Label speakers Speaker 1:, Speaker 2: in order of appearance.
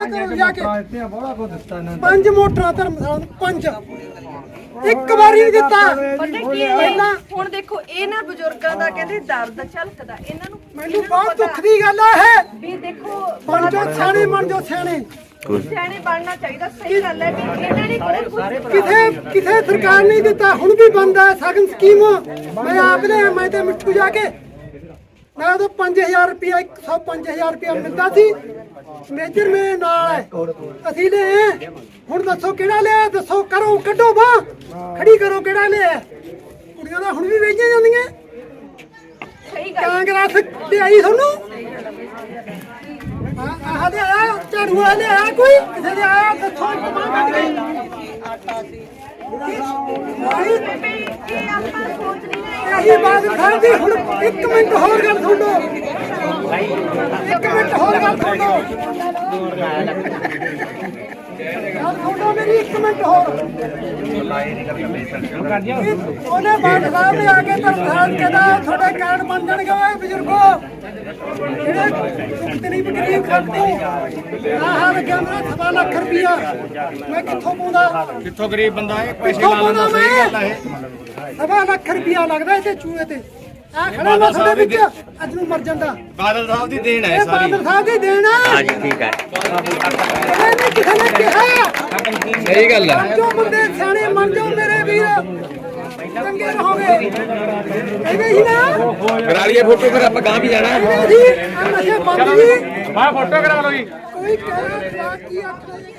Speaker 1: ਕਰੋ ਜਾ ਕੇ
Speaker 2: ਪਾਰਟੀਆਂ ਬੜਾ ਕੁਝ ਦਿੱਤਾ ਇਹਨਾਂ ਨੇ
Speaker 1: 5 ਮੋਟਰਾਂ ਧਰਮਸ਼ਾਲਾ ਨੂੰ 5 ਇੱਕ ਵਾਰੀ ਨਹੀਂ ਦਿੱਤਾ
Speaker 3: ਪਤਾ ਕੀ ਹੈ ਹੁਣ ਦੇਖੋ ਇਹਨਾਂ ਬਜ਼ੁਰਗਾਂ ਦਾ ਕਹਿੰਦੇ ਦਰਦ ਝਲਕਦਾ ਇਹਨਾਂ ਨੂੰ
Speaker 1: ਮੈਨੂੰ ਬਹੁਤ ਦੁੱਖ ਦੀ ਗੱਲ ਆ ਇਹ
Speaker 3: ਵੀ ਦੇਖੋ
Speaker 1: ਬਣ ਜੋ ਸਿਆਣੇ ਬਣ ਜੋ ਸਿਆਣੇ
Speaker 3: ਸਿਆਣੇ ਬਣਨਾ ਚਾਹੀਦਾ ਸਹੀ ਗੱਲ ਹੈ ਵੀ ਇਹਨਾਂ ਨੇ ਬਹੁਤ ਕੁਝ
Speaker 1: ਕਿਥੇ ਸਰਕਾਰ ਨਹੀਂ ਦਿੱਤਾ ਹੁਣ ਵੀ ਬੰਦ ਹੈ ਸਗਨ ਸਕੀਮ ਮੈਂ ਆਪ ਲਿਆ ਮੈਂ ਤੇ ਮਿੱਠੂ ਜਾ ਕੇ ਮੈਂ ਉਦੋਂ 5000 ਰੁਪਇਆ 105,000 ਰੁਪਇਆ ਮਿਲਦਾ ਸੀ ਮੇਜਰ ਮੇ ਨਾਲ ਹੈ ਅਸੀਂ ਲੈ ਹੁਣ ਦੱਸੋ ਕਿਹੜਾ ਲਿਆ ਦੱਸੋ ਕਰੋ ਕੱਢੋ ਬਾਹ ਖੜੀ ਕਰੋ ਕਿਹੜਾ ਲਿਆ ਕੁੜੀਆਂ ਦਾ ਹੁਣ ਵੀ ਵੇਚੀਆਂ ਜਾਂਦੀਆਂ
Speaker 3: ਸਹੀ ਗੱਲ
Speaker 1: ਕਾਂਗਰਸ ਤੇ ਆਈ ਤੁਹਾਨੂੰ ਆਹ ਦੇ ਆਇਆ ਝਾੜੂ ਵਾਲੇ ਆਇਆ ਕੋਈ ਕਿਸੇ ਦੇ ਆਇਆ ਦੱਸੋ ਕਮਾਂ ਕੱਢ ਗਈ
Speaker 3: ਇਹ ਆਪਾਂ ਸੋਚ ਨਹੀਂ ਰਹੇ
Speaker 1: ਇਹੀ ਬਾਤ ਸਾਹਿਬ ਦੀ ਹੁਣ 1 ਮਿੰਟ ਹੋਰ ਗੱਲ ਸੁਣ ਲਓ 1 ਮਿੰਟ ਹੋਰ ਗੱਲ ਸੁਣ ਲਓ ਗੱਲ ਸੁਣ ਲਓ ਮੇਰੀ 1 ਮਿੰਟ ਹੋਰ ਉਹਨੇ ਬਾਤ ਸਾਹਿਬ ਨੇ ਆ ਕੇ ਧਰਮਸਾਲ ਕਹਿੰਦਾ ਤੁਹਾਡੇ ਕਾਰਡ ਬਣ ਜਾਣਗੇ ਓਏ ਬਜ਼ੁਰਗੋ ਜਿਹੜੇ ਚੁੱਕਤੇ ਨਹੀਂ ਬਕਰੀ ਖਾਤੇ ਆਹ ਲੱਗਿਆ ਮੇਰਾ 7 ਲੱਖ ਰੁਪਇਆ ਮੈਂ ਕਿੱਥੋਂ ਪਾਉਂਦਾ
Speaker 2: ਕਿੱਥੋਂ ਗਰੀਬ ਬੰਦਾ ਹੈ ਪੈਸੇ
Speaker 1: ਕਿੱਥੋਂ
Speaker 2: ਲਾ
Speaker 1: ਪਾਉਂਦਾ
Speaker 2: ਲੈਂਦਾ ਸਹੀ ਗੱਲ ਹੈ
Speaker 1: ਮੈਂ 7 ਲੱਖ ਰੁਪਇਆ ਲੱਗਦਾ ਇਹਦੇ ਚੂਹੇ ਤੇ ਆ ਖੜਾ ਮੈਂ ਤੁਹਾਡੇ ਵਿੱਚ ਅੱਜ ਨੂੰ ਮਰ ਜਾਂਦਾ
Speaker 2: ਬਾਦਲ ਸਾਹਿਬ ਦੀ ਦੇਣ ਹੈ
Speaker 1: ਇਹ
Speaker 2: ਸਾਰੀ
Speaker 1: ਬਾਦਲ ਸਾਹਿਬ ਦੀ ਦੇਣ ਆ
Speaker 4: ਹਾਂਜੀ ਠੀਕ ਹੈ
Speaker 1: ਇਹਨੇ ਕਿਸੇ ਨੇ ਕਿਹਾ
Speaker 4: ਸਹੀ ਗੱਲ ਹੈ
Speaker 1: ਜੋ ਬੰਦੇ ਸਿਆਣੇ ਮੰਨ ਜਾਓ ਮੇਰੇ ਵੀਰ ਚੰਗੇ ਰਹੋਗੇ ਕਹਿੰਦੇ ਸੀ ਨਾ
Speaker 4: ਕਰਾ ਲਈਏ ਫੋਟੋ ਫਿਰ ਆਪਾਂ ਗਾਂ ਵੀ ਜਾਣਾ
Speaker 1: ਕਹਿੰਦੇ ਸੀ ਆ ਨਸ਼ੇ ਬੰਦ ਜੀ
Speaker 2: ਮੈਂ ਫੋਟੋ ਕਰਾ ਲਓ ਜੀ
Speaker 1: ਕੋਈ ਕਹਿ ਰਿਹਾ ਕੀ ਆਖਣਾ